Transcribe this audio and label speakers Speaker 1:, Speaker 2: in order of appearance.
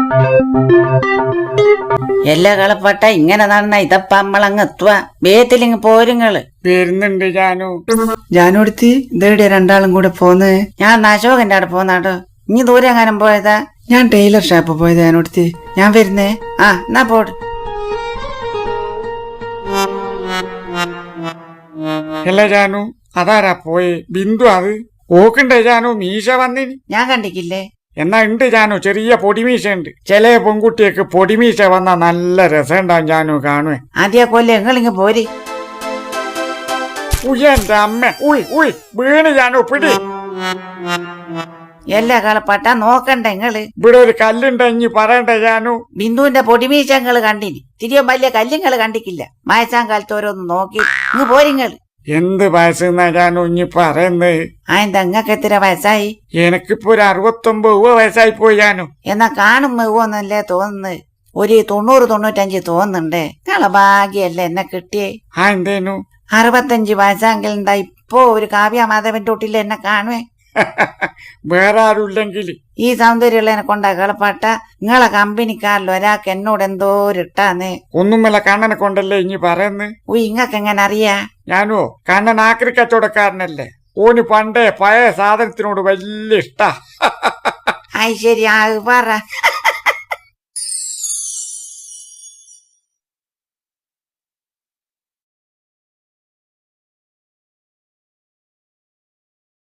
Speaker 1: എല്ലാ കളപ്പട്ട ഇങ്ങനെ നടന്ന ഇതപ്പ നമ്മളങ്ങ് എത്തുക വേത്തിലിങ് പോരുങ്ങള്
Speaker 2: വരുന്നുണ്ട് ജാനു.
Speaker 3: ജാനുടുത്തി ഇതേടെ രണ്ടാളും കൂടെ പോന്ന്.
Speaker 1: ഞാൻ അശോകന്റെ അവിടെ പോന്നാടോ. ഇനി ദൂരെ എങ്ങാനും പോയതാ?
Speaker 3: ഞാൻ ടൈലർ ഷാപ്പ് പോയത് ജാനുടുത്തി. ഞാൻ വരുന്നേ.
Speaker 1: ആ എന്നാ പോട്.
Speaker 2: അല്ല ജാനു, അതാരാ പോയെ? ബിന്ദു അത് ഓക്കുണ്ടേ ജാനു? മീശ വന്നിനി
Speaker 1: ഞാൻ കണ്ടിക്കില്ലേ?
Speaker 2: എന്നാ ഉണ്ട് ജാനു, ചെറിയ പൊടിമീശ ഉണ്ട്. ചില പെൺകുട്ടിയൊക്കെ പൊടിമീശ വന്നാ നല്ല രസമുണ്ടാവും ജാനു കാണുവേ.
Speaker 1: ആദ്യ കൊല്ലം എങ്ങളിങ്ങ് പോരി.
Speaker 2: എന്റെ അമ്മ, ഉയ് വീണ് ജാനു, പിടി.
Speaker 1: എല്ലാ കളപ്പട്ട നോക്കണ്ട ഇങ്ങള്.
Speaker 2: ഇവിടെ ഒരു കല്ലുണ്ടെങ്കി പറയണ്ടേ ജാനു?
Speaker 1: ബിന്ദുവിന്റെ പൊടിമീശങ്ങള് കണ്ടിനി. തിരിയോ വലിയ കല്ലുങ്ങള് കണ്ടിക്കില്ല. വയസ്സാം കാലത്ത് ഓരോന്ന് നോക്കി ഇങ്ങ് പോരിങ്ങള്.
Speaker 2: എന്ത് വയസ്സെന്നാ ജാനു ഇനി പറയുന്നത്?
Speaker 1: എന്താ ഇങ്ങക്ക് എത്ര വയസ്സായി?
Speaker 2: എനിക്കിപ്പോ ഒരു 69 വയസ്സായി പോയി ജാനു.
Speaker 1: എന്നാ കാണും മെവ്വൊന്നല്ലേ തോന്നുന്നത്. ഒരു 90-95 തോന്നുന്നുണ്ടേ. നിങ്ങളെ ഭാഗ്യല്ലേ എന്നെ കിട്ടിയേ.
Speaker 2: എന്തേനു?
Speaker 1: 65 വയസ്സാങ്കിൽ എന്താ ഇപ്പൊ ഒരു കാവ്യ മാധവന്റെ തൊട്ടിൽ എന്നെ കാണുവേ.
Speaker 2: വേറെ ആരുമില്ലെങ്കിൽ
Speaker 1: ഈ സൗന്ദര്യമുള്ളതിനെ കൊണ്ടാ കളപ്പാട്ട. നിങ്ങളെ കമ്പനിക്കാരിൽ ഒരാൾക്ക് എന്നോട് എന്തോ ഇട്ടാന്ന്.
Speaker 2: ഒന്നുമല്ല, കണ്ണനെ കൊണ്ടല്ലേ ഇനി പറയുന്നത്.
Speaker 1: ഇങ്ങക്ക് എങ്ങനെ അറിയാ?
Speaker 2: ഞാനോ കണ്ണൻ ആക്രി കച്ചവടക്കാരനല്ലേ. ഓന് പണ്ടേ പഴയ സാധനത്തിനോട് വലിയ ഇഷ്ടാ.
Speaker 1: ശരി, ആ പറ.